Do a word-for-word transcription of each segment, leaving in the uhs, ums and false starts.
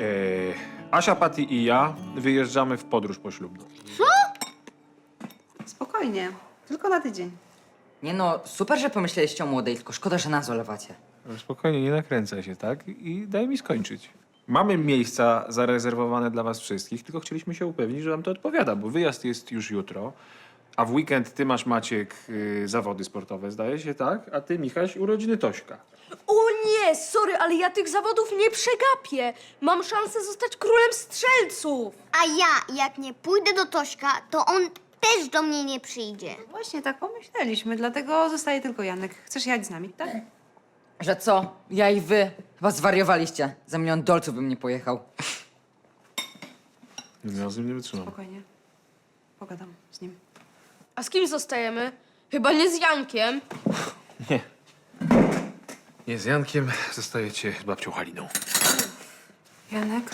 Asia, Patty i ja wyjeżdżamy w podróż poślubną. Spokojnie, tylko na tydzień. Nie no, super, że pomyśleliście o młodej, tylko szkoda, że nas olewacie. Spokojnie, nie nakręcaj się, tak? I daj mi skończyć. Mamy miejsca zarezerwowane dla was wszystkich, tylko chcieliśmy się upewnić, że wam to odpowiada, bo wyjazd jest już jutro, a w weekend ty masz, Maciek, yy, zawody sportowe, zdaje się, tak? A ty, Michaś, urodziny Tośka. O nie, sorry, ale ja tych zawodów nie przegapię. Mam szansę zostać królem strzelców. A ja, jak nie pójdę do Tośka, to on też do mnie nie przyjdzie. Właśnie tak pomyśleliśmy, dlatego zostaje tylko Janek. Chcesz jechać z nami, tak? Że co? Ja i wy? Chyba zwariowaliście. Za milion dolców bym nie pojechał. Ja z nim nie wytrzymam. Spokojnie. Pogadam z nim. A z kim zostajemy? Chyba nie z Jankiem. Nie. Nie, z Jankiem zostajecie z babcią Haliną. Janek?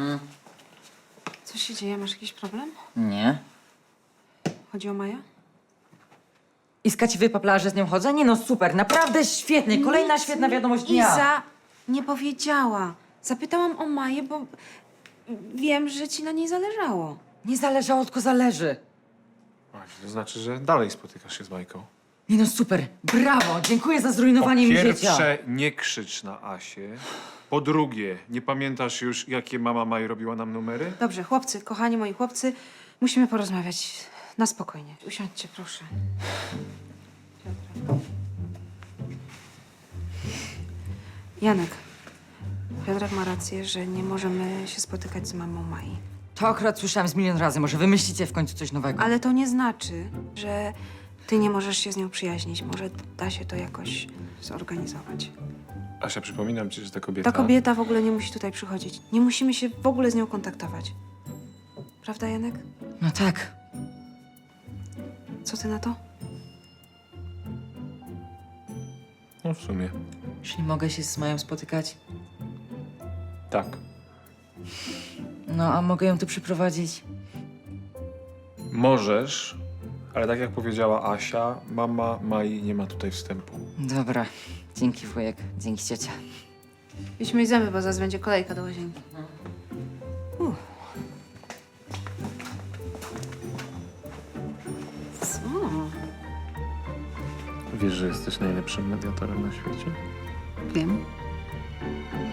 Co się dzieje? Masz jakiś problem? Nie. Chodzi o Maję? Iska ci wypaplała, że z nią chodzę? Nie no, super, naprawdę świetnie. Kolejna świetna wiadomość dnia. Iza nie powiedziała. Zapytałam o Maję, bo wiem, że ci na niej zależało. Nie zależało, tylko zależy. Właśnie, to znaczy, że dalej spotykasz się z Majką. Nie no, super, brawo, dziękuję za zrujnowanie Po mi życia. pierwsze, nie krzycz na Asię. Po drugie, nie pamiętasz już, jakie mama Maj robiła nam numery? Dobrze, chłopcy, kochani moi chłopcy, musimy porozmawiać na spokojnie. Usiądźcie, proszę. Piotrek. Janek, Piotrek ma rację, że nie możemy się spotykać z mamą Mai. To akurat słyszałam z milion razy, może wymyślicie w końcu coś nowego. Ale to nie znaczy, że ty nie możesz się z nią przyjaźnić. Może da się to jakoś zorganizować. Asia, przypominam ci, że ta kobieta... Ta kobieta w ogóle nie musi tutaj przychodzić. Nie musimy się w ogóle z nią kontaktować. Prawda, Janek? No tak. Co ty na to? No w sumie. Czyli mogę się z Mają spotykać? Tak. No, a mogę ją tu przyprowadzić? Możesz, ale tak jak powiedziała Asia, mama Mai nie ma tutaj wstępu. Dobra, dzięki wujek, dzięki ciocia. Idźmy i zęby, bo zaraz będzie kolejka do łazienki. Uff. Co? Wiesz, że jesteś najlepszym mediatorem na świecie? Wiem.